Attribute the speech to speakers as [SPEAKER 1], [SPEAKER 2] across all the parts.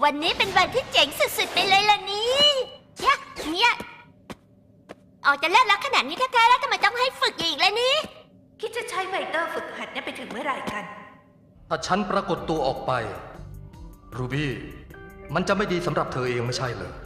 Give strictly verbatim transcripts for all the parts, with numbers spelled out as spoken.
[SPEAKER 1] วันนี้เป็นวันที่เจ๋งสุดๆไปเลยล่ะนี่เนี่ยเนี่ยออกจะเลิกแล้วขนาดนี้แท้ๆแล้วทำไมต้องให้ฝึกอีกล่ะนี่คิดจะใช้ไวเตอร์ฝึกหัดเนี่ยไปถึงเมื่อไหร่กัน
[SPEAKER 2] ถ้าฉันปรากฏตัวออกไปรูบี้มันจะไม่ดีสำหรับเธอเองไม่ใช่เหรอ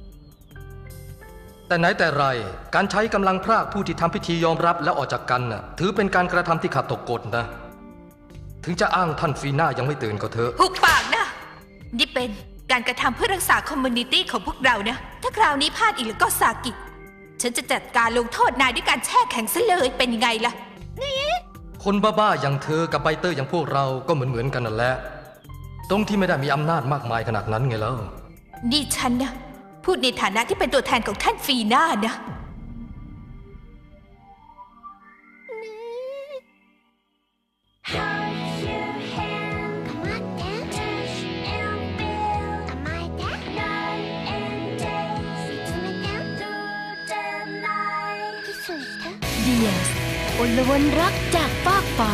[SPEAKER 2] แต่ไหนแต่ไรการใช้กำลังพรากผู้ที่ทำพิธียอมรับและออกจากกันน่ะถือเป็นการกระทำที่ขัดต่อกฎนะถึงจะอ้างท่านฟีน่ายังไม่ตื่นก็เถอะ
[SPEAKER 3] หุบปากนะนี่เป็นการกระทำเพื่อรักษาคอมมูนิตี้ของพวกเรานะถ้าคราวนี้พลาดอีกแล้วก็สากิฉันจะจัดการลงโทษนายด้วยการแช่แข็งซะเลยเป็นยังไงล่ะ
[SPEAKER 1] นี่
[SPEAKER 2] คนบ้าๆอย่างเธอกับไบเตอร์อย่างพวกเราก็เหมือนๆกันนั่นแหละตรงที่ไม่ได้มีอำนาจมากมายขนาดนั้นไงแล้ว
[SPEAKER 3] นี่ฉันนะพูดในฐานะที่เป็นตัวแทนของท่านฟีน่านะ
[SPEAKER 4] เดียสอลวนรักจากฟากฟ้า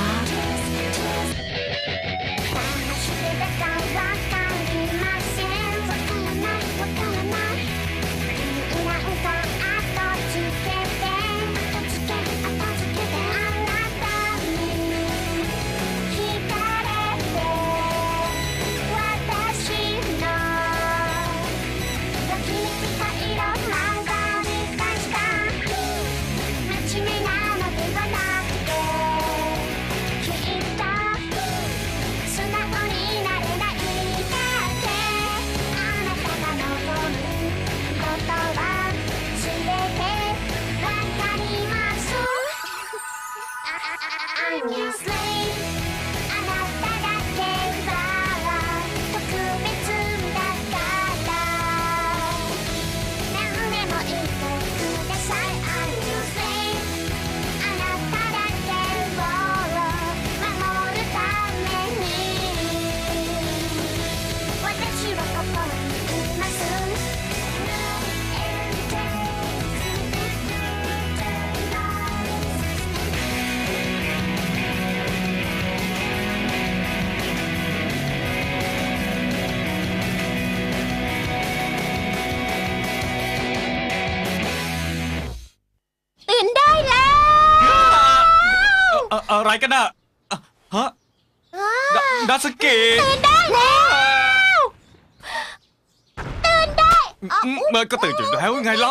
[SPEAKER 5] อะไรกันน่ะฮะดาสเกะ
[SPEAKER 1] ตื่นได้แล้วตื่นได้
[SPEAKER 5] เมื่อก็ตื่นอยู่แล้วไงเล่า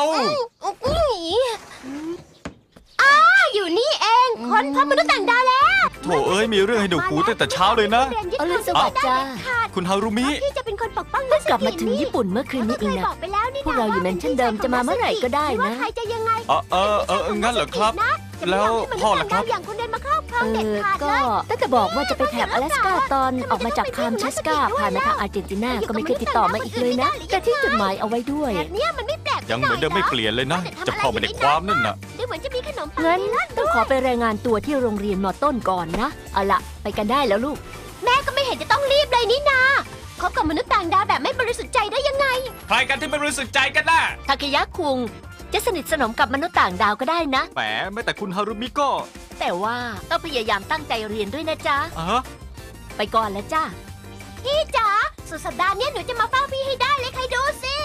[SPEAKER 1] อ้าอยู่นี่เองคนพบมนุษย์ต่างดาวแล้ว
[SPEAKER 5] โถเอ้ยมีเรื่องให้หนูหูตั้งแต่เช้าเลยนะ
[SPEAKER 4] อรุณสวัสดิ์จ้า
[SPEAKER 5] คุณฮารุมิ
[SPEAKER 1] ที่จะเป็นคนปกป้อง
[SPEAKER 4] เพิ่งกลับมาถึงญี่ปุ่นเมื่อคืนนี้เองนะพวกเราอยู่นั้นเช่นเดิมจะมาเมื่อไหร่ก็ได้นะ
[SPEAKER 1] ใครจะยังไง
[SPEAKER 5] เออเออเอองั้นเหรอครับแล้วพ่อล่ะครับ
[SPEAKER 1] อย่างคนเดินมาครอบครองเด็ดขาด
[SPEAKER 4] เลยก็ตั้งแต่บอกว่าจะไปแถบ阿拉斯กาตอนออกมาจากคามเชสกาผ่านมาทางอาร์เจนตินาก็ไม่เคยติดต่อมาอีกเลยนะแต่ที่จดหมายเอาไว้ด้วย
[SPEAKER 1] เนี่ยมันไม่แปลก
[SPEAKER 5] ยังเหมือนเดิมไม่เปลี่ยนเลยนะจะพอไม่ได้ความนั่นน่ะ
[SPEAKER 1] ดูเหมือนจะมีขนมปัง
[SPEAKER 4] งั้นต้องขอไปรายงานตัวที่โรงเรียนมอต้นก่อนนะเอาละไปกันได้แล้วลูก
[SPEAKER 1] แม่ก็ไม่เห็นจะต้องรีบเลยนี่นาคบกับมนุษย์ต่างดาวแบบไม่บริสุทธิ์ใจได้ยังไง
[SPEAKER 5] ใครกันที่ไม่บริสุทธิ์ใจกันน่ะ
[SPEAKER 4] ทาเคยะคุงจะสนิทสนมกับมนุษย์ต่างดาวก็ได้นะ
[SPEAKER 5] แหมแม้แต่คุณฮารุมิก็
[SPEAKER 4] แต่ว่าต้องพยายามตั้งใจเรียนด้วยนะจ๊ะ
[SPEAKER 5] อ่ะ
[SPEAKER 4] ไปก่อนแล้วจ้า
[SPEAKER 1] พี่จ๋าสุดสัปดาห์นี้หนูจะมาเฝ้าพี่ให้ได้เลยใครดูสิ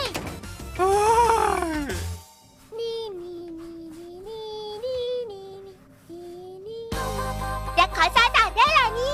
[SPEAKER 1] นี่นี่นี่นี่นี่นี่นี่อยากขอซาตาได้หรอนี่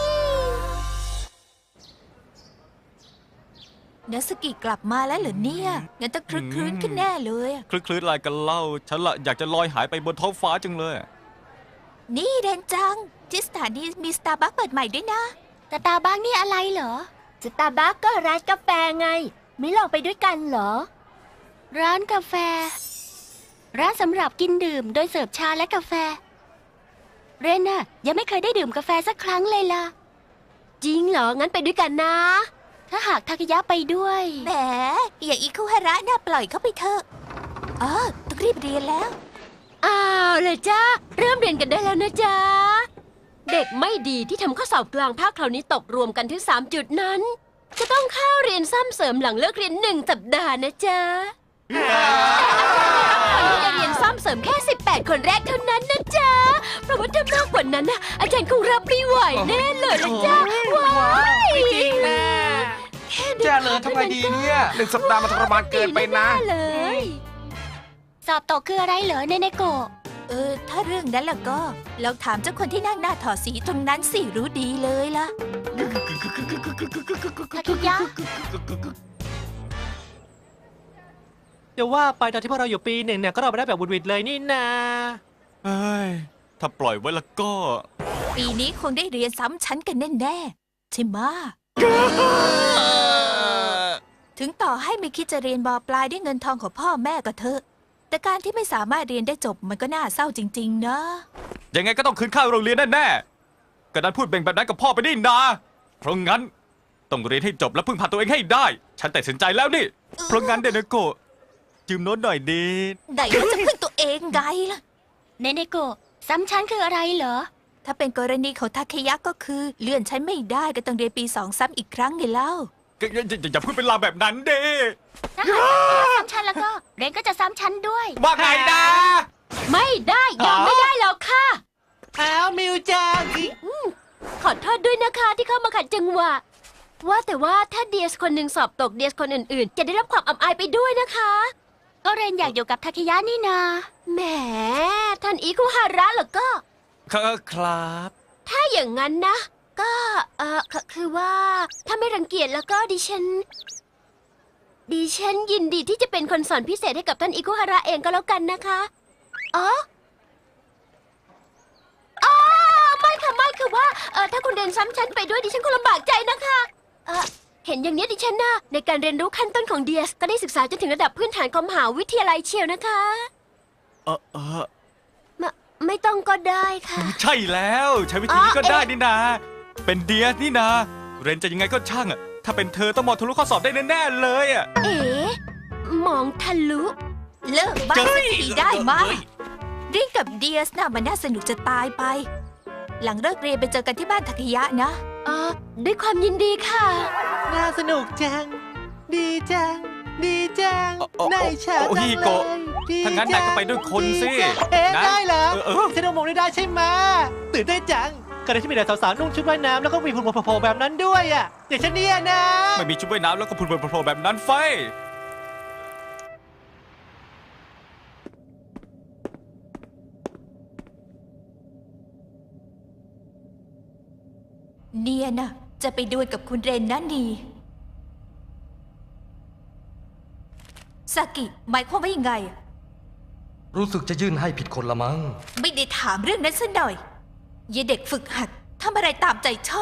[SPEAKER 3] นัสกิกลับมาแล้วเหรอเนี่ยงั้นต้องคลึกคลื้นขึ้นแน่เลย
[SPEAKER 5] คลึกคลื้นอะไรกันเล่าฉันละอยากจะลอยหายไปบนท้องฟ้าจังเลย
[SPEAKER 3] นี่เรนจังที่สถานีมีสตาร์บัคเปิดใหม่ด้วยนะ
[SPEAKER 1] สตาร์บัคนี่อะไรเหรอ
[SPEAKER 4] สตาร์บัคก็ร้านกาแฟไงไม่ลองไปด้วยกันเหรอ
[SPEAKER 1] ร้านกาแฟร้านสำหรับกินดื่มโดยเสิร์ฟชาและกาแฟเรนน่ะยังไม่เคยได้ดื่มกาแฟสักครั้งเลยล่ะ
[SPEAKER 4] จริงเหรองั้นไปด้วยกันนะ
[SPEAKER 1] ถ้าหากทาเคยะไปด้วย
[SPEAKER 3] แหมอย่างอิคุฮาระน่าปล่อยเขาไปเถอะอ๋อต้องรีบเรียนแล้ว
[SPEAKER 4] อ้าวเลยจ้าเริ่มเรียนกันได้แล้วนะจ๊ะเด็กไม่ดีที่ทำข้อสอบกลางภาคคราวนี้ตกรวมกันถึงสามจุดนั้นจะต้องเข้าเรียนซ้ำเสริมหลังเลิกเรียนหนึ่งสัปดาห์นะจ๊ะแต่อาจารย์รับคนที่จะเรียนซ้ำเสริมแค่สิบแปดคนแรกเท่านั้นนะจ๊ะเพราะว่าถ้ามากกว่านั้นนะอาจารย์คงรับไม่ไหวแน่เลยนะจ๊ะว้าย
[SPEAKER 6] แย่เลเลยทำไงดีเนี่ยหนึ่งสัปดาห์มันทรมานเกินไปนะ
[SPEAKER 4] เลย
[SPEAKER 1] สอบตกคืออะไรเหรอเนเนโกะ
[SPEAKER 3] เออ ถ้าเรื่องนั้นล่ะก็ลองถามเจ้าคนที่นั่งหน้าถอดสีตรงนั้นสิรู้ดีเลยล่ะ
[SPEAKER 1] ทาคิยะ
[SPEAKER 7] จะว่าไปตอนที่พวกเราอยู่ปีหนึ่งเนี่ยก็เราไปได้แบบบุดวิดเลยนี่นา
[SPEAKER 5] เฮ้ย ถ้าปล่อยไว้แล้วก็
[SPEAKER 3] ปีนี้คงได้เรียนซ้ำชั้นกันแน่ๆใช่ไหมะถึงต่อให้ไม่คิดจะเรียนบอปลายด้วยเงินทองของพ่อแม่ก็เถอะ แต่การที่ไม่สามารถเรียนได้จบมันก็น่าเศร้าจริง ๆ นะ
[SPEAKER 5] ยังไงก็ต้องคืนค่าโรงเรียนแน่ๆก็นั้นพูดเบ่งแบบนั้นกับพ่อไปนี่นาเพราะงั้นต้องเรียนให้จบและพึ่งพาตัวเองให้ได้ ฉันตัดสินใจแล้วนี่ เพราะงั้นเดนโกะยืมโน้ตหน่อยดี
[SPEAKER 3] ไหนว่าจะพึ่งตัวเองไงล่ะ
[SPEAKER 1] เนเนโกะซ้ำชั้นคืออะไรเหรอ
[SPEAKER 3] ถ้าเป็นกรณีของทาเคยะก็คือเลื่อนชั้นไม่ได้ก็ต้องเรียนปีสองซ้ำอีกครั้งไงเล่า
[SPEAKER 5] อย่าอย่าอย่าพูดเป็นลางแบบนั้นเด้
[SPEAKER 1] ถ้าหากซ้ำชั้นแล้วก็เรนก็จะซ้ำชั้นด้วย
[SPEAKER 5] ว่าไงนะ
[SPEAKER 4] ไม่ได้ยอมไม่ได้หรอกค่ะ
[SPEAKER 7] อ้าวมิวจัง
[SPEAKER 4] ขอโทษด้วยนะคะที่เข้ามาขัดจังหวะ ว่าแต่ว่าถ้าเดียสคนหนึ่งสอบตกเดียสคนอื่นๆ จะได้รับความอับอายไปด้วยนะคะ
[SPEAKER 1] ก็เรนอยากอยู่กับทาคิยะนี่นา
[SPEAKER 4] แหมท่านอิคุฮาระเหรอก็
[SPEAKER 5] ครับ
[SPEAKER 4] ถ้าอย่างนั้นนะ ก็เออคคือว่า ถ้าไม่รังเกียจแล้วก็ดิฉัน ดิฉันยินดีที่จะเป็นคนสอนพิเศษให้กับท่านอิคุฮาระเองก็แล้วกันนะคะอ๋ออ๋อไม่ค่ะไม่คือว่าเออถ้าคุณเรียนซ้ำชั้นไปด้วยดิฉันคงลำบากใจนะคะเออเห็นอย่างนี้ดิฉันนะในการเรียนรู้ขั้นต้นของเดียสก็ได้ศึกษาจนถึงระดับพื้นฐานของมหาวิทยาลัยเชียวนะคะ
[SPEAKER 5] เออเออ
[SPEAKER 4] ไม่ไม่ต้องก็ได้ค่ะ
[SPEAKER 5] ใช่แล้วใช้วิธีนี้ก็ได้นี่นา เป็นเดียสนี่นา เรนจะยังไงก็ช่างอะถ้าเป็นเธอต้องมองทะลุข้อสอบได้แน่ๆเลยอะ
[SPEAKER 4] เอ๋มองทะลุ
[SPEAKER 3] เลิกบ้าสักทีได้มากริงกับเดียสน่ะมันน่าสนุกจะตายไป หลังเลิกเรียนไปเจอกันที่บ้านทาเคยะนะ
[SPEAKER 4] เออด้วยความยินดีค่ะ
[SPEAKER 7] น่าสนุกจัง ดีจัง ดีจัง
[SPEAKER 5] โอ้โอ้
[SPEAKER 7] นายชา
[SPEAKER 5] โอ้
[SPEAKER 7] จัง
[SPEAKER 5] ฮิ
[SPEAKER 7] เล
[SPEAKER 5] โกะ
[SPEAKER 7] ยดี
[SPEAKER 5] ถ้างั้นนายก็ไปด้วยคนสิ
[SPEAKER 7] ดีจังเอ๊ะ
[SPEAKER 5] นะ
[SPEAKER 7] ได้เหรอ
[SPEAKER 5] เออเออ
[SPEAKER 7] ฉันเอามองได้ได้ใช่ไหมตื่นเต้นจังก็ได้ที่มีแต่สาวๆนุ่งชุดว่ายน้ำแล้วก็มีหุ่นโผล่ๆแบบนั้นด้วยอ่ะอย่างฉันเนี่ยนะ
[SPEAKER 5] ไม่มีชุดว่ายน้ำแล้วก็พูดโผล่ๆแบบนั้นไฟ
[SPEAKER 3] เนียน่ะจะไปดูกับคุณเรนนั่นดีซากิหมายความว่ายังไง
[SPEAKER 2] รู้สึกจะยื่นให้ผิดคนละมั้ง
[SPEAKER 3] ไม่ได้ถามเรื่องนั้นซะหน่อยยายเด็กฝึกหัดทำอะไรตามใจชอบ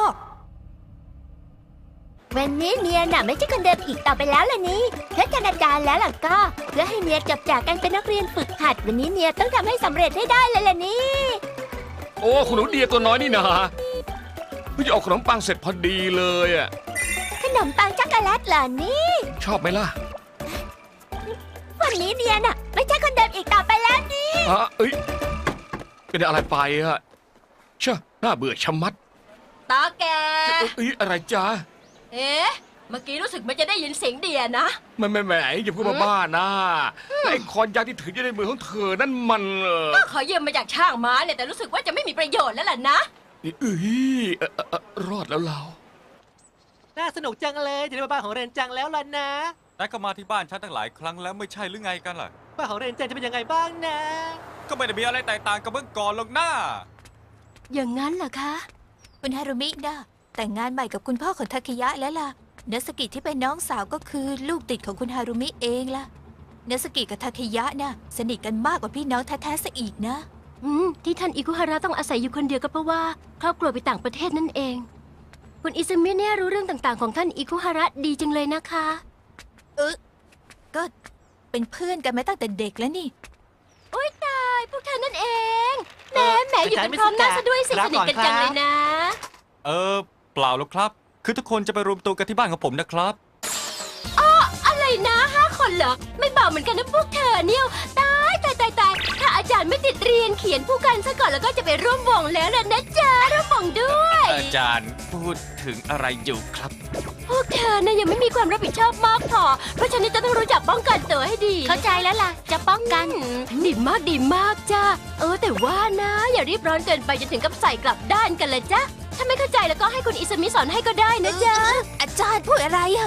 [SPEAKER 1] วันนี้เนียน่ะไม่ใช่คนเดิมอีกต่อไปแล้วล่ะนี่เพื่อกันอาจารย์แล้วล่ะก็ เพื่อให้เนียจบจากการเป็นนักเรียนฝึกหัดวันนี้เนียต้องทำให้สำเร็จให้ได้เลยล่ะนี่
[SPEAKER 6] โอ้คุณหนูเดียตัวน้อยนี่นะเพิ่งจะออกขนมปังเสร็จพอดีเลยอ่ะ
[SPEAKER 1] ขนมปังช็อกโกแลตเหรอนี่
[SPEAKER 6] ชอบไหมล่ะ
[SPEAKER 1] วันนี้เนียน่ะไม่ใช่คนเดิมอีกต่อไปแล้วนี่
[SPEAKER 6] อ่ะเอ้ยเป็นอะไรไปอ่ะเช่อน่าเบื่อชะมัด
[SPEAKER 4] ตาแก
[SPEAKER 6] เอ้ยอะไรจ้า
[SPEAKER 4] เอ๊ะ เมื่อกี้รู้สึกมันจะได้ยินเสียงเดียนะ
[SPEAKER 6] ไม่ไม่แหมอย่าพูดมาบ้านะไอ้คอนยางที่ถืออยู่ในมือของเธอนั่นมันเออ
[SPEAKER 4] ก็ขอยืมมาจากช่างม้าเนี่ยแต่รู้สึกว่าจะไม่มีประโยชน์แล้วล่ะนะ
[SPEAKER 6] นี่เอ้ยเอ่อเอ่อเอ่อรอดแล้วเรา
[SPEAKER 7] น่าสนุกจังเลยจะได้มาบ้านของเรนจังแล้วล่ะนะ
[SPEAKER 5] นายก็มาที่บ้านฉันตั้งหลายครั้งแล้วไม่ใช่หรือไงกันล่ะ
[SPEAKER 7] บ้านของเรนจังจะเป็นยังไงบ้างนะ
[SPEAKER 5] ก็ไม่ได้มีอะไรแตกต่างกับเมื่อก่อนหรอกนะ
[SPEAKER 4] อย่างนั้นเหรอคะ
[SPEAKER 3] คุณฮารุมินะแต่งงานใหม่กับคุณพ่อของทาเคยะแล้วล่ะเนสกิที่เป็นน้องสาวก็คือลูกติดของคุณฮารุมิเองล่ะเนสกิกับทาเคยะน่ะสนิทกันมากกว่าพี่น้องแท้ๆซะอีกนะ
[SPEAKER 4] อืม ที่ท่านอิคุฮาระต้องอาศัยอยู่คนเดียวก็เพราะว่าครอบครัวไปต่างประเทศนั่นเอง คุณอิซึมิเนี่ยรู้เรื่องต่างๆของท่านอิคุฮาระดีจังเลยนะคะ
[SPEAKER 3] เออก็เป็นเพื่อนกันมาตั้งแต่เด็กแล้วนี่
[SPEAKER 4] โอ๊ยตายพวกเธอนั่นเองแหมแหมอยู่กันพร้อมหน้าซะด้วยสิสนิทกันจังเลยนะ
[SPEAKER 5] เออเปล่าหรอกครับ คือทุกคนจะไปรวมตัวกันที่บ้านของผมนะครับ
[SPEAKER 4] อะไรนะห้าคนเหรอ ไม่เบาเหมือนกันนะพวกเธอเนี่ยตายตายตายตายถ้าอาจารย์ไม่ติดเรียนเขียนผู้กันซะก่อนแล้วก็จะไปร่วมวงแล้วล่ะนะจ๊ะร่วมวงด้วย
[SPEAKER 5] อาจารย์พูดถึงอะไรอยู่ครับ
[SPEAKER 4] พวกเธอนะยังไม่มีความรับผิดชอบมากพอ เพราะฉะนั้นจะต้องรู้จักป้องกันตัวให้ดี
[SPEAKER 1] เข้าใจแล้วล่ะ จะป้องกัน
[SPEAKER 4] ดีมากดีมากจ้าเออแต่ว่านะ อย่ารีบร้อนเกินไปจนถึงกับใส่กลับด้านกันเลยจ้ะถ้าไม่เข้าใจแล้วก็ให้คุณอิสมิสอนให้ก็ได้นะจ๊ะ
[SPEAKER 3] อาจารย์พูดอะไรอะ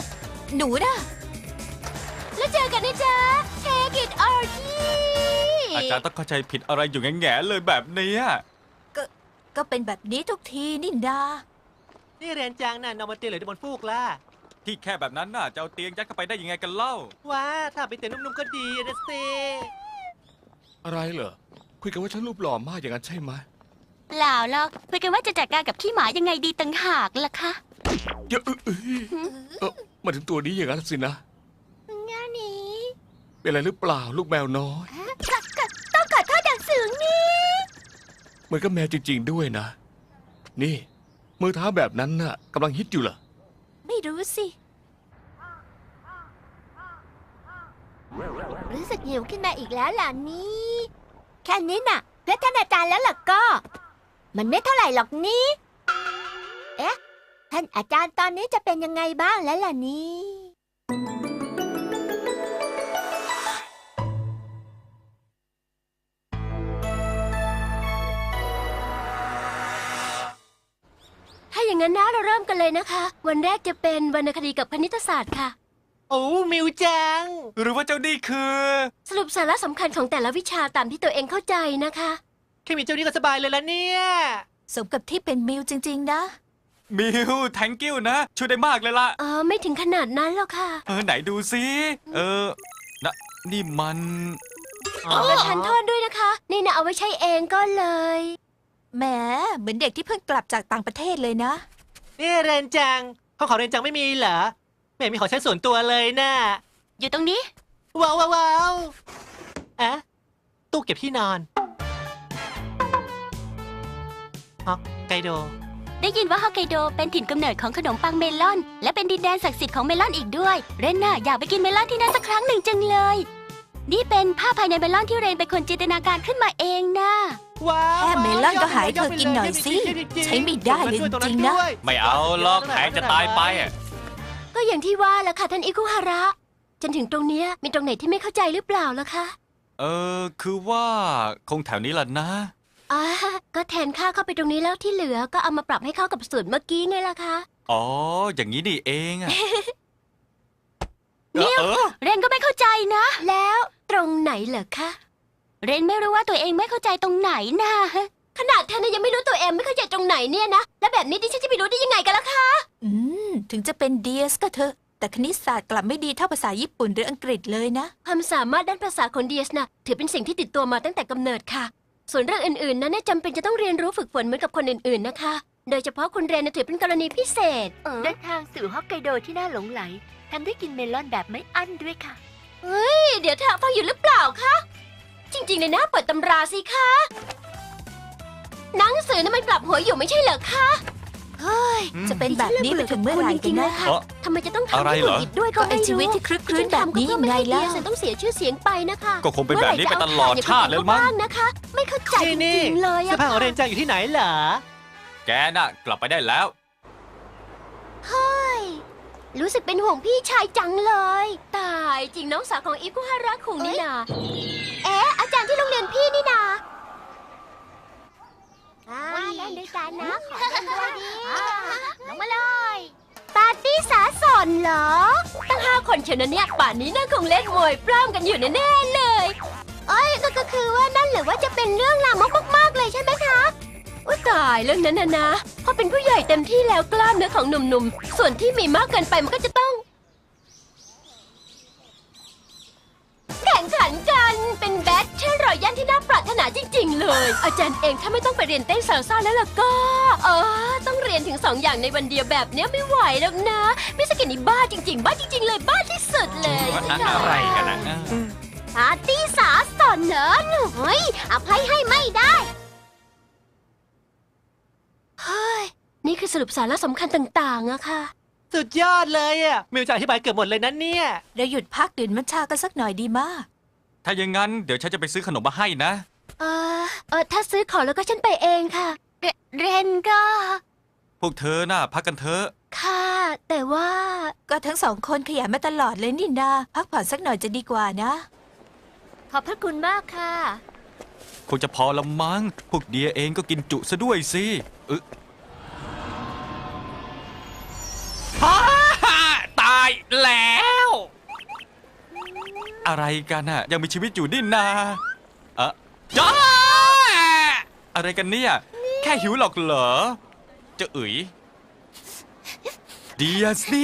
[SPEAKER 3] หนูนะ
[SPEAKER 4] แล้วเจอกันนะจ๊ะ Take it or leave
[SPEAKER 5] อาจารย์ต้องเข้าใจผิดอะไรอยู่แง่ๆเลยแบบเนี้ย
[SPEAKER 3] ก็ก็เป็นแบบนี้ทุกทีนี่นา
[SPEAKER 7] นี่เรียนจังน่ะนอนบนเตียงหรือบนฟูกล่ะ
[SPEAKER 5] ที่แค่แบบนั้นน่ะจะเอาเตียงยัดเข้าไปได้ยังไงกันเล่า
[SPEAKER 7] ว้าถ้าไปเตียงนุ่มๆก็ดีนะสิ
[SPEAKER 6] อะไรเหรอ คุยกันว่าฉันรูปหล่อมากอย่างนั้นใช่ไหม
[SPEAKER 1] เปล่าหรอกคุยกันว่าจะจัดการกับขี้หมายังไงดีต่างหากล่ะคะ
[SPEAKER 6] เยอะเอ้ยเออมาถึงตัวนี้อย่างนั้นสินะ
[SPEAKER 1] งานนี้
[SPEAKER 6] เป็นอะไรหรือเปล่าลูกแมวน้อย
[SPEAKER 1] ก็ก็ต้องขอโทษอย่างสูงนี่
[SPEAKER 6] เหมือนกับแมวจริง ๆ ด้วยนะ นี่ มือเท้าแบบนั้นน่ะกำลังฮิตอยู่เหรอ
[SPEAKER 3] ไม่รู้สิ
[SPEAKER 1] รู้สึกหิวขึ้นมาอีกแล้วล่ะนี่แค่นี้น่ะเพื่อท่านอาจารย์แล้วล่ะก็ มันไม่เท่าไหร่หรอกนี่เอ๊ะท่านอาจารย์ตอนนี้จะเป็นยังไงบ้างแล้วล่ะนี่
[SPEAKER 4] ถ้าอย่างนั้นนะเราเริ่มกันเลยนะคะ วันแรกจะเป็นวรรณคดีกับคณิตศาสตร์ค่ะ
[SPEAKER 7] โอ้มิวจัง
[SPEAKER 5] หรือว่าเจ้านี่คือ
[SPEAKER 4] สรุปสาระสำคัญของแต่ละวิชาตามที่ตัวเองเข้าใจนะคะ
[SPEAKER 7] แค่มีเจ้านี้ก็สบายเลยละเนี่ย
[SPEAKER 3] สมกับที่เป็นมิวจริง ๆ นะ
[SPEAKER 5] มิว thank you นะ ช่วยได้มากเลยล่ะ
[SPEAKER 4] เออไม่ถึงขนาดนั้นหรอกค่ะ
[SPEAKER 5] เออไหนดูซิเออนะนี่มัน
[SPEAKER 7] อ๋อ
[SPEAKER 4] ประทานโทษด้วยนะคะ นี่นะเอาไว้ใช้เองก็เลย
[SPEAKER 3] แหม เหมือนเด็กที่เพิ่งกลับจากต่างประเทศเลยนะ
[SPEAKER 7] นี่เรียนจังของของเรียนจังไม่มีเหรอไม่เห็นมีของใช้ส่วนตัวเลยน่ะ
[SPEAKER 1] อยู่ตรงนี้
[SPEAKER 7] ว้าวว้าวว้าวอะตู้เก็บที่นอนฮอกไกโด
[SPEAKER 1] ได้ยินว่าฮอกไกโดเป็นถิ่นกำเนิดของขนมปังเมลอน และเป็นดินแดนศักดิ์สิทธิ์ของเมลอนอีกด้วย เรนน่ะอยากไปกินเมลอนที่นั่นสักครั้งหนึ่งจังเลย นี่เป็นภาพภายในเมลอนที่เรนเป็นคนจินตนาการขึ้นมาเองนะ
[SPEAKER 7] ว้าว
[SPEAKER 3] แค่เมลอนก็หายเธอกินหน่อยสิใช้ไม่ได้เลยจริงๆนะ
[SPEAKER 5] ไม่เอาหรอกแพงจะตายไปอะ
[SPEAKER 4] ก็อย่างที่ว่าแหละค่ะท่านอิคุฮาระ จนถึงตรงเนี้ยมีตรงไหนที่ไม่เข้าใจหรือเปล่าล่ะคะ
[SPEAKER 5] เออคือว่าคงแถวนี้ล่ะนะ
[SPEAKER 4] อ่าก็แทนค่าเข้าไปตรงนี้แล้วที่เหลือก็เอามาปรับให้เข้ากับสูตรเมื่อกี้ไงล่ะคะ
[SPEAKER 5] อ๋อ อย่างนี้นี่เองอะ
[SPEAKER 1] นิว
[SPEAKER 5] เออ
[SPEAKER 1] เรนก็ไม่เข้าใจนะ
[SPEAKER 4] แล้วตรงไหนเหรอคะ
[SPEAKER 1] เรนไม่รู้ว่าตัวเองไม่เข้าใจตรงไหนนะ
[SPEAKER 4] ขนาดเธอนะยังไม่รู้ตัวเองไม่เข้าใจตรงไหนเนี่ยนะ แล้วแบบนี้ดิฉันจะไปรู้ได้ยังไงกันล่ะคะ
[SPEAKER 3] อืม ถึงจะเป็นเดียสก็เถอะ แต่คณิตศาสตร์กลับไม่ดีเท่าภาษาญี่ปุ่นหรืออังกฤษเลยนะ
[SPEAKER 4] ความสามารถด้านภาษาของเดียสนะถือเป็นสิ่งที่ติดตัวมาตั้งแต่กำเนิดค่ะ ส่วนเรื่องอื่นๆนั้นน่ะจำเป็นจะต้องเรียนรู้ฝึกฝนเหมือนกับคนอื่นๆนะคะ โดยเฉพาะคุณเรนนะถือเป็นกรณีพิเศษ
[SPEAKER 1] เดินทางสู่ฮอกไกโดที่น่าหลงไหลทำได้กินเมลอนแบบไม่อั้นด้วยค่ะ
[SPEAKER 4] นี่เดี๋ยวเธอฟังอยู่หรือเปล่าคะ จริงๆเลยนะเปิดตำราสิคะหนังสือนั้นมันกลับหัวอยู่ไม่ใช่เหรอคะ
[SPEAKER 3] เฮ้ย จะเป็นแบบนี้ไปถึงเมื่อไหร่กันนะ
[SPEAKER 5] เอ้อ
[SPEAKER 4] ทำไมจะต้องทำ
[SPEAKER 5] อะไร
[SPEAKER 4] ให้
[SPEAKER 5] เหรอ
[SPEAKER 4] หงุดหงิดด้วย
[SPEAKER 3] ก็
[SPEAKER 4] ก็
[SPEAKER 3] ไอ
[SPEAKER 4] ไม่รู้
[SPEAKER 3] ชีวิตที่คลึกคลื้นแบบนี้ยังไง
[SPEAKER 4] แล้
[SPEAKER 3] ล่ะ
[SPEAKER 4] วต้องเสียชื่อเสียงไปนะคะ
[SPEAKER 5] ก็คงเป็นแบบนี้ไปตลอดชาติเลยมั้ง
[SPEAKER 4] เมื่อไหร่จะเอาข่าวอย่างคนอื่นเขาบ้างนะคะ ไม่เข้าใจจ
[SPEAKER 7] นี่นี่
[SPEAKER 4] ริงๆเลย
[SPEAKER 7] เสื้
[SPEAKER 4] อะ
[SPEAKER 7] อผ้าของเรียนจังอยู่ที่ไหนเหรอ
[SPEAKER 5] แกน่ะ กลับไปได้แล้ว
[SPEAKER 4] เฮ้ยรู้สึกเป็นห่วงพี่ชายจังเลย ตายจริงน้องสาวของอิคุฮาระคุงนี่นาเอ๊ะอาจารย์ที่โรงเรียนพี่นี่นา
[SPEAKER 1] ว่าเล่นด้วยกันนะ ขอเล่นด้วยดิลงมาเลย ปาร์ตี้สาสอนเหรอ
[SPEAKER 4] ตั้งห้าคนเชียวนะเนี่ยป่านนี้น่าคงเล่นมวยปล้ำกันอยู่แน่ๆเลย
[SPEAKER 1] เอ้ยก็ก็คือว่านั่นหรือว่าจะเป็นเรื่องลามกมากๆเลยใช่ไหมคะ
[SPEAKER 4] อุ้ยตายเรื่องนั้นนะนะพอเป็นผู้ใหญ่เต็มที่แล้วกล้ามเนื้อของหนุ่มๆ ส่วนที่มีมากเกินไปมันก็จะต้อง แข่งขันกันเป็นแบทเทิลรอยัลที่น่าปรารถนาจริงๆเลย อาจารย์เองถ้าไม่ต้องไปเรียนเต้นซาลซ่าแล้วล่ะก็ เออต้องเรียนถึงสองอย่างในวันเดียวแบบเนี้ยไม่ไหวแล้วนะมิสกินี่บ้าจริงๆ บ้าจริง ๆ เลยบ้าที่สุดเลย
[SPEAKER 5] ว่าอะไรกันนะ
[SPEAKER 1] ปาร์ตี้สาสอนเหรอหนูเฮ้ยอภัยให้ไม่ได้
[SPEAKER 4] เฮ้ยนี่คือสรุปสาระสำคัญต่างๆอะค่ะ
[SPEAKER 7] สุดยอดเลยอ่ะมิวจังอธิบายเกือบหมดเลยนะเนี่ย
[SPEAKER 3] เราหยุดพักดื่มมัทฉากันสักหน่อยดีมาก
[SPEAKER 5] ถ้าอย่างนั้นเดี๋ยวฉันจะไปซื้อขนมมาให้นะ
[SPEAKER 4] เออเออถ้าซื้อของแล้วก็ฉันไปเองค่ะ
[SPEAKER 1] เรเรนก็
[SPEAKER 5] พวกเธอน่ะพักกันเถอะ
[SPEAKER 4] ค่ะ แต่ว่า
[SPEAKER 3] ก็ทั้งสองคนขยันมาตลอดเลยนี่นาพักผ่อนสักหน่อยจะดีกว่านะ
[SPEAKER 1] ขอบพระคุณมากค่ะ
[SPEAKER 5] คงจะพอละมั้ง พวกเดียเองก็กินจุซะด้วยสิเออฮ่าฮ่าตาย
[SPEAKER 6] แล้ว
[SPEAKER 5] อะไรกันน่ะ ยังมีชีวิตอยู่นี่นาเอะจ้าอะไรกันเนี่ย แค่หิวหรอกเหรอเจะเอ๋ยเดียสนี่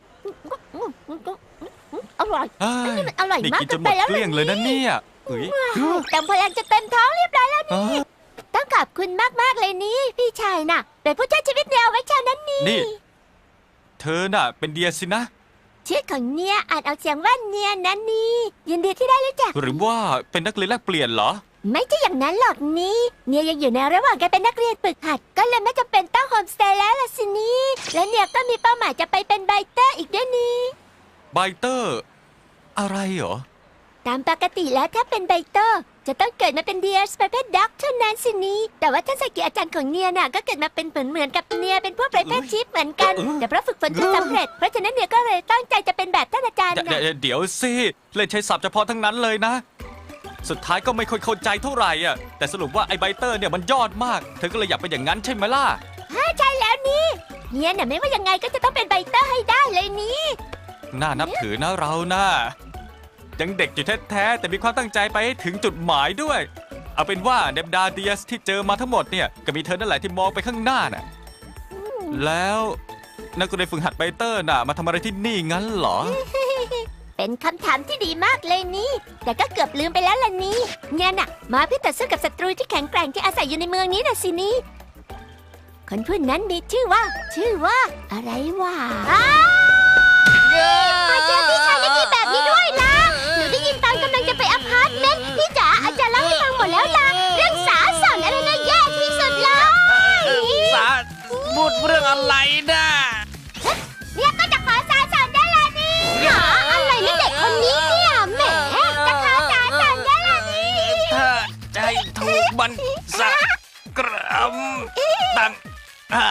[SPEAKER 1] อร่อย
[SPEAKER 5] เฮ้ย
[SPEAKER 1] นี่มันอร่อย
[SPEAKER 5] นี่
[SPEAKER 1] มาก
[SPEAKER 5] กินจนหมด
[SPEAKER 1] เกินไปแล้ว
[SPEAKER 5] เกลี้ยงเลยนะเนี่ยเอ๋ย
[SPEAKER 1] เต็มพลังจะเต็มท้องเรียบร้อยแล้ว
[SPEAKER 5] เอ้อ
[SPEAKER 1] ต้องขอบคุณมาก ๆ เลยนี่ พี่ชายน่ะ เป็นผู้ช่วยชีวิตเดียวไว้เช้านั้นนี่
[SPEAKER 5] นี่ เธอน่ะ เป็นเดียสินะ
[SPEAKER 1] ชื่อของเนียอ่านออกเสียงว่าเนียนั่นนี่ยินดีที่ได้รู้จัก
[SPEAKER 5] หรือว่าเป็นนักเรียนแลกเปลี่ยนเหรอ
[SPEAKER 1] ไม่ใช่อย่างนั้นหรอกนี่เนียยังอยู่ในระหว่างการเป็นนักเรียนฝึกหัด ก็เลยไม่จำเป็นต้องโฮมสเตย์แล้วล่ะสินี่และเนียก็มีเป้าหมายจะไปเป็นไบเตอร์อีกด้วยนี่
[SPEAKER 5] ไบเตอร์ อะไรเหรอ
[SPEAKER 1] ตามปกติแล้วถ้าเป็นไบเตอร์ จะต้องเกิดมาเป็นเดียสประเภทด็อกเท่านั้นสินี่แต่ว่าท่านสกิอาจารย์ของเนียน่ะก็เกิดมาเป็นเหมือนเหมือนกับเนียเป็นพวกประเภทชิปเหมือนกัน
[SPEAKER 5] เออ
[SPEAKER 1] แต่เพราะฝึกฝนจนสำเร็จเพราะฉะนั้นเนียก็เลยตั้งใจจะเป็นแบบท่านอาจารย์
[SPEAKER 5] เดี๋ยว
[SPEAKER 1] น่ะ
[SPEAKER 5] เดี๋ยวเดี๋ยวสิเล่นใช้ศัพท์เฉพาะทั้งนั้นเลยนะ สุดท้ายก็ไม่ค่อยเข้าใจเท่าไหร่อ่ะแต่สรุปว่าไอ้ไบเตอร์เนี่ยมันยอดมาก เธอก็เลยอยากเป็นอย่างนั้นใช่ไหมล่ะ
[SPEAKER 1] ใช่แล้วนี่เนียน่ะไม่ว่ายังไงก็จะต้องเป็นไบเตอร์ให้ได้เลยนี่
[SPEAKER 5] น่านับถือนะเรานะยังเด็กอยู่แท้ๆแต่มีความตั้งใจไปให้ถึงจุดหมายด้วย เอาเป็นว่าเนมดาเดียสที่เจอมาทั้งหมดเนี่ยก็มีเธอนั่นแหละที่มองไปข้างหน้าน่ะแล้วนักเรียนฝึกหัดไบเตอร์น่ะมาทำอะไรที่นี่งั้นเหรอ
[SPEAKER 1] เป็นคำถามที่ดีมากเลยนี่ แต่ก็เกือบลืมไปแล้วล่ะนี่เนี่ยน่ะ มาเพื่อต่อสู้กับศัตรูที่แข็งแกร่งที่อาศัยอยู่ในเมืองนี้น่ะสินี่คนผู้นั้นมีชื่อว่า ชื่อว่า อะไรวะมาเจอพี่ชายได้ดีแบบนี้ด้วยล่ะหนูได้ยินตอนกำลังจะไปอพาร์ตเมนต์พี่จ๋าอาจารย์เล่าให้ฟังหมดแล้วล่ะเรื่องสาสอนอะไรนะแย่ที่สุดเลย
[SPEAKER 6] สาพูดเรื่องอะไรนะ
[SPEAKER 1] เนี่ยก็จะขอสาสอนได้ละนี่หาอะไรนี่เด็กคนนี้เนี่ยแหมจะขอสาสอนได้ละนี่
[SPEAKER 6] ถ้าใจถูกมันสักกรัมตังอ่า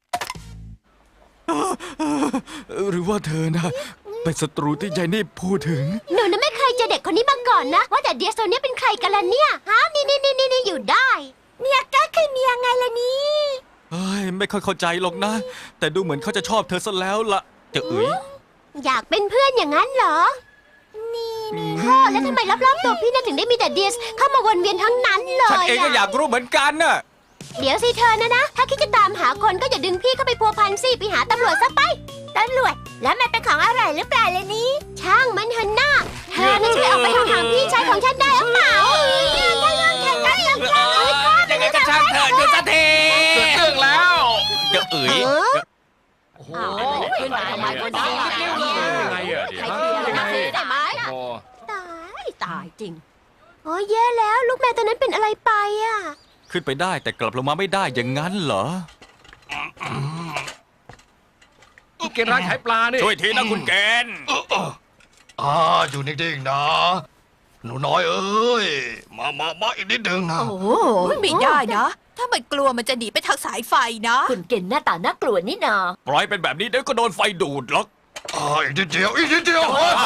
[SPEAKER 5] หรือว่าเธอนะเป็นศัตรูที่ยายนี่พูดถึง
[SPEAKER 1] หนูน่ะไม่เคยเจอเด็กคนนี้มาก่อนนะ ว่าแต่เดียโซเนี่ยเป็นใครกันล่ะเนี่ยฮะนี่นี่นี่นี่อยู่ได้ เนี่ยก็คือเนียไงล่ะนี่
[SPEAKER 5] เฮ้ยไม่ค่อยเข้าใจหรอกนะ แต่ดูเหมือนเขาจะชอบเธอซะแล้วล่ะเจ้าเอ๋ย
[SPEAKER 1] อยากเป็นเพื่อนอย่างนั้นเหรอ นี่นี่พ่อแล้วทำไมรอบๆตัวพี่น่ะถึงได้มีแต่เดียสเข้ามาวนเวียนทั้งนั้นเลย
[SPEAKER 5] ฉันเองก็อยากรู้เหมือนกันน่ะ
[SPEAKER 1] เดี๋ยวสิเธอนะนะ ถ้าคิดจะตามหาคนก็อย่าดึงพี่เข้าไปพัวพันสิไปหาตำรวจซะไปตำรวจแล้วมันเป็นของอะไรหรือเปล่าเลยนี้ ช่างมันเถอะนะเธอน่าจะไปออกไปทางพี่ชายของฉันได้หรือเปล่าถ้าเรื่องแข่งกันเรื่องแข่งกัน
[SPEAKER 6] ยังไงก็ช่างเถอะหยุดสักทีเกิดเรื่องแล้ว
[SPEAKER 5] เจ้าเอ๋ย
[SPEAKER 6] โอ้โห
[SPEAKER 4] ขึ้นมาทำไมขึ้นมา
[SPEAKER 6] ยังไงอะ
[SPEAKER 4] ใครเคลียร์นะได้ไหม
[SPEAKER 6] โอ้
[SPEAKER 1] ตาย
[SPEAKER 4] ตายจริง
[SPEAKER 1] โอ้ยแย่แล้วลูกแมวตัวนั้นเป็นอะไรไปอ่ะ
[SPEAKER 5] ขึ้นไปได้แต่กลับลงมาไม่ได้อย่างนั้นเหรอ
[SPEAKER 6] เกณฑ์ร้านขายปลานี่
[SPEAKER 5] ช่วยทีนะคุณแกน
[SPEAKER 2] อ่าอยู่นิ่งๆนะ หนูน้อยเอ้ย มามามาอีกนิดนึงนะ
[SPEAKER 3] โอ้ไม่ได้นะ ถ้ามันกลัวมันจะหนีไปทางสายไฟนะ
[SPEAKER 4] คุณเก่งหน้าตาน่ากลัวนี่นา
[SPEAKER 5] ปล่อยเป็นแบบนี้เดี๋ยวก็โดนไฟดูดหรอก
[SPEAKER 2] อ่าอีกนิดเดียว อีกนิดเดียว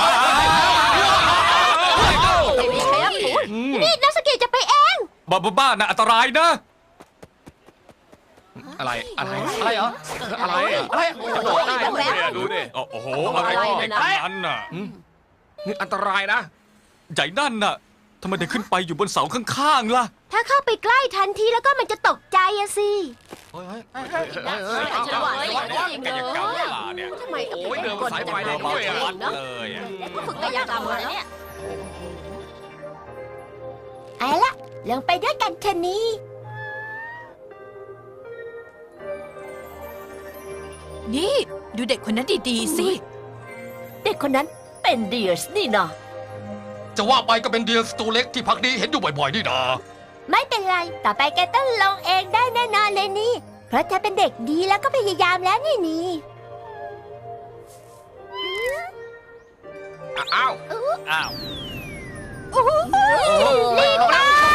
[SPEAKER 4] ไม่มีใครรับผิด
[SPEAKER 1] นี่นักสกีจะไปเอง
[SPEAKER 5] บ้าบ้าๆนะอันตรายนะ
[SPEAKER 6] อะไร อะไร อะไรเหรอ อะไรอะอะไรกระโดดได้ด้วยดูดิ
[SPEAKER 5] โอ้โห อะไรของเด็กคนนั้นน่ะ
[SPEAKER 6] นี่อันตรายนะ
[SPEAKER 5] ใหญ่นั่นน่ะทำไมถึงขึ้นไปอยู่บนเสาข้างๆล่ะ
[SPEAKER 1] ถ้าเข้าไปใกล้ทันทีแล้วก็มันจะตกใจอะสิ
[SPEAKER 4] ฉันว่าจริง
[SPEAKER 5] กายกรรมเวลาเนี่ย
[SPEAKER 4] ทำไมกับ
[SPEAKER 6] โอ้ยเดินบนสายไฟได้
[SPEAKER 5] เบา
[SPEAKER 6] ด้วย
[SPEAKER 5] ๆ
[SPEAKER 6] อะ
[SPEAKER 5] วัดเลยอะ
[SPEAKER 4] ฝึกกายกรรมมาเนี่ย
[SPEAKER 1] เอาละลงไปด้วยกันเถอะนี่
[SPEAKER 3] นี่ ดูเด็กคนนั้นดีๆสิ
[SPEAKER 4] เด็กคนนั้นเป็นเดียสนี่นา
[SPEAKER 2] จะว่าไปก็เป็นเดียสตัวเล็กที่พักดีเห็นอยู่บ่อยๆนี่นะ
[SPEAKER 1] ไม่เป็นไร ต่อไปแกต้องลงเองได้แน่นอนเลยนี่ เพราะเธอเป็นเด็กดีแล้วก็พยายามแล้วนี่นี่
[SPEAKER 6] อ้าว
[SPEAKER 5] อ้าว
[SPEAKER 1] รีบไป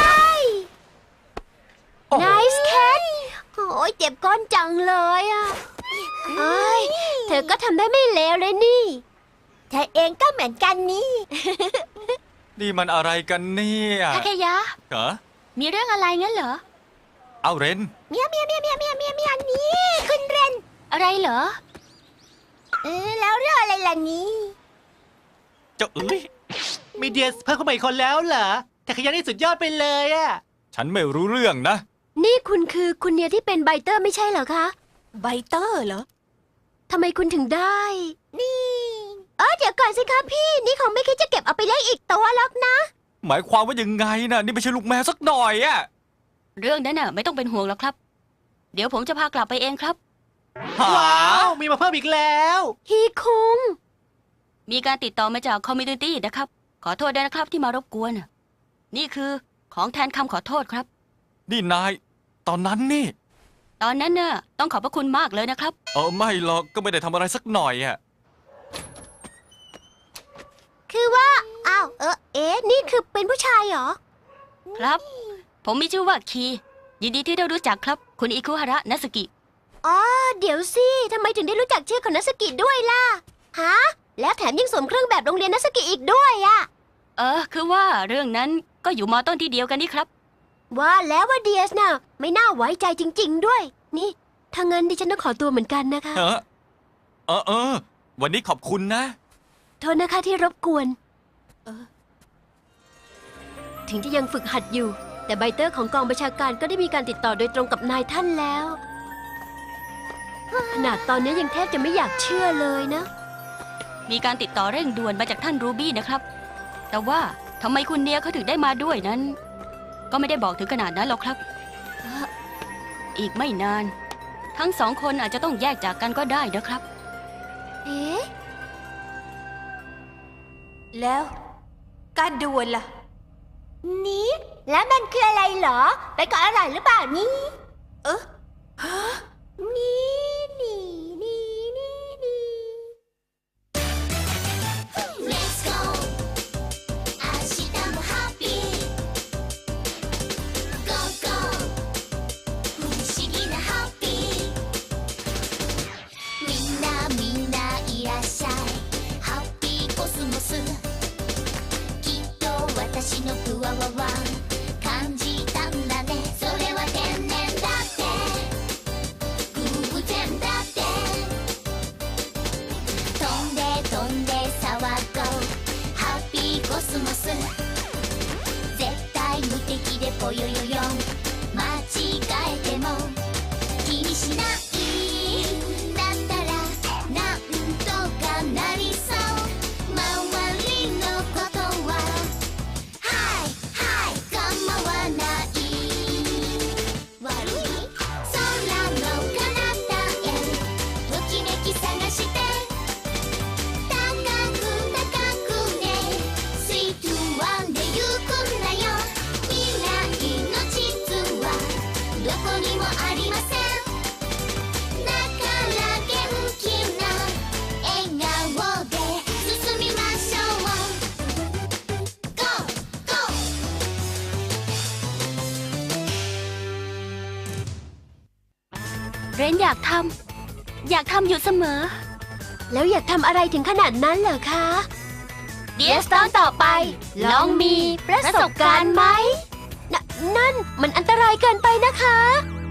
[SPEAKER 1] Nice cat โอ้ยเจ็บก้นจังเลยอ่ะเอ้ยเธอก็ทำได้ไม่เลวเลยนี่เธอเองก็เหมือนกันนี่
[SPEAKER 5] นี่มันอะไรกันเนี่ย
[SPEAKER 1] ทาเคยะ
[SPEAKER 5] เหรอ
[SPEAKER 1] มีเรื่องอะไรงั้นเหรอ
[SPEAKER 5] เอาเรน
[SPEAKER 1] เมียวเมียวเมียวเมียวเมียวเมียวเมียวนี่คุณเรน อะไรเหรอ เออแล้วเรื่องอะไรล่ะนี่
[SPEAKER 5] เจ้าเอ้ย
[SPEAKER 7] มีเดียสเพิ่มเข้ามาอีกคนแล้วเหรอทาเคยะนี่สุดยอดไปเลยอะ
[SPEAKER 5] ฉันไม่รู้เรื่องนะ
[SPEAKER 4] นี่คุณคือคุณเนียที่เป็นไบเตอร์ไม่ใช่เหรอคะ
[SPEAKER 3] ไบเตอร์เหรอ
[SPEAKER 4] ทำไมคุณถึงได้
[SPEAKER 1] นี่เออเดี๋ยวก่อนสิคะพี่ นี่คงไม่คิดจะเก็บเอาไปเลี้ยงอีกตัวหรอกนะ
[SPEAKER 5] หมายความว่ายังไงนะนี่ไม่ใช่ลูกแมวสักหน่อยอะ
[SPEAKER 1] เรื่องนั้นน่ะไม่ต้องเป็นห่วงหรอกครับ เดี๋ยวผมจะพากลับไปเองครับ
[SPEAKER 5] หา
[SPEAKER 7] ว้าว มีมาเพิ่มอีกแล้ว
[SPEAKER 4] ฮีคุง
[SPEAKER 1] มีการติดต่อมาจากคอมมูนิตี้นะครับ ขอโทษด้วยนะครับที่มารบกวน นี่คือของแทนคำขอโทษครับ
[SPEAKER 5] นี่นาย ตอนนั้นนี่
[SPEAKER 1] ตอนนั้นน่ะต้องขอบพระคุณมากเลยนะครับ
[SPEAKER 5] เออไม่หรอกก็ไม่ได้ทำอะไรสักหน่อยอะ
[SPEAKER 1] คือว่า อ้าว เออเอ๊ะ นี่คือเป็นผู้ชายเหรอ ครับ ผมมีชื่อว่าคี ยินดีที่ได้รู้จักครับ คุณอิคุฮาระนัสกิ อ๋อ เดี๋ยวสิ ทำไมถึงได้รู้จักชื่อของนัสกิด้วยล่ะ ฮะ แล้วแถมยังสวมเครื่องแบบโรงเรียนนัสกิอีกด้วยอะเออ คือว่าเรื่องนั้นก็อยู่มอต้นที่เดียวกันนี่ครับ ว่าแล้วว่าเดียสน่ะไม่น่าไว้ใจจริง ๆ ด้วย นี่ ถ้างั้นดิฉันต้องขอตัวเหมือนกันนะคะ
[SPEAKER 5] เออเออเออ วันนี้ขอบคุณนะ
[SPEAKER 4] โทษนะคะที่รบกวน เออ ถึงจะยังฝึกหัดอยู่ แต่ไบเตอร์ของกองประชาการก็ได้มีการติดต่อโดยตรงกับนายท่านแล้ว ขนาดตอนนี้ยังแทบจะไม่อยากเชื่อเลยนะ มีการติดต่อเร่งด่วนมาจากท่านรูบี้นะครับ แต่ว่าทำไมคุณเนียเขาถึงได้มาด้วยนั้น ก็ไม่ได้บอกถึงขนาดนั้นหรอกครับเอ่ออีกไม่นาน ทั้งสองคนอาจจะต้องแยกจากกันก็ได้นะครับ
[SPEAKER 3] เอ๊ะ แล้ว การดวลล่ะ
[SPEAKER 1] นี่แล้วมันคืออะไรเหรอ ไปเกาะอะไรหรือเปล่านี่
[SPEAKER 3] เออ
[SPEAKER 1] นี่นี่นี่นี่นี่ Let's go 明日もハッピー Go go 不思議なハッピーみんなみんないらっしゃいハッピーコスモスきっと私のプワワワ感じたんだねそれは天然だって偶然だって飛んで飛んで騒ごうハッピーコスモス絶対無敵でぽよよよ間違えても気にしないだったらなんとかなりそう周りのことははいはい構わない悪い空の彼方へときめき探して高く高くねスイートワンで行くんだよ未来の地図はどこにもありませんだから元気な笑顔で進みましょう Go Go เรนอยากทำอยากทำอยู่เสมอ
[SPEAKER 4] แล้วอยากทำอะไรถึงขนาดนั้นเหรอคะ
[SPEAKER 1] เดียสตอนต่อไป ลองมีประสบการณ์ไหม
[SPEAKER 4] นนั่นมันอันตรายเกินไปนะคะ